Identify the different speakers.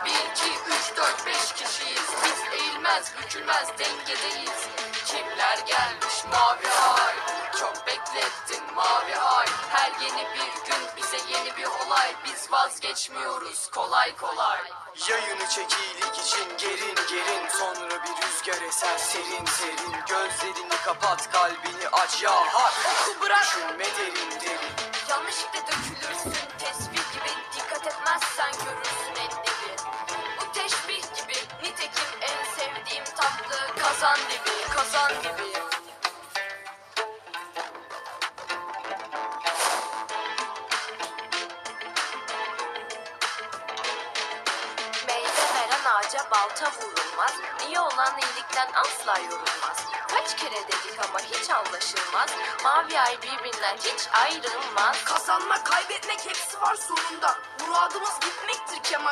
Speaker 1: Bir, iki, üç, dört, beş kişiyiz. Biz eğilmez, bükülmez, dengedeyiz. Kimler gelmiş mavi ay? Çok beklettin mavi ay. Her yeni bir gün bize yeni bir olay. Biz vazgeçmiyoruz kolay kolay.
Speaker 2: Yayını çekilik için gerin gerin, sonra bir rüzgar eser serin serin. Gözlerini kapat, kalbini aç ya hak.
Speaker 1: Bırak.
Speaker 2: Düşünme derin derin.
Speaker 1: Yanlışlıkla dökülürsün tesbih gibi. Dikkat etmezsen görürsün en dibi. Bu teşbih gibi, nitekim en sevdiğim tatlı kazan dibi, kazan dibi. Meyve veren ağaca balta vurulmaz. İyi olan iyilikten asla yorulmaz. Kaç kere dedik ama hiç anlaşılmaz. Mavi ay birbirinden hiç ayrılmaz.
Speaker 3: Kazanmak, kaybetmek hepsi var sonunda. Muradımız gitmektir Kemal.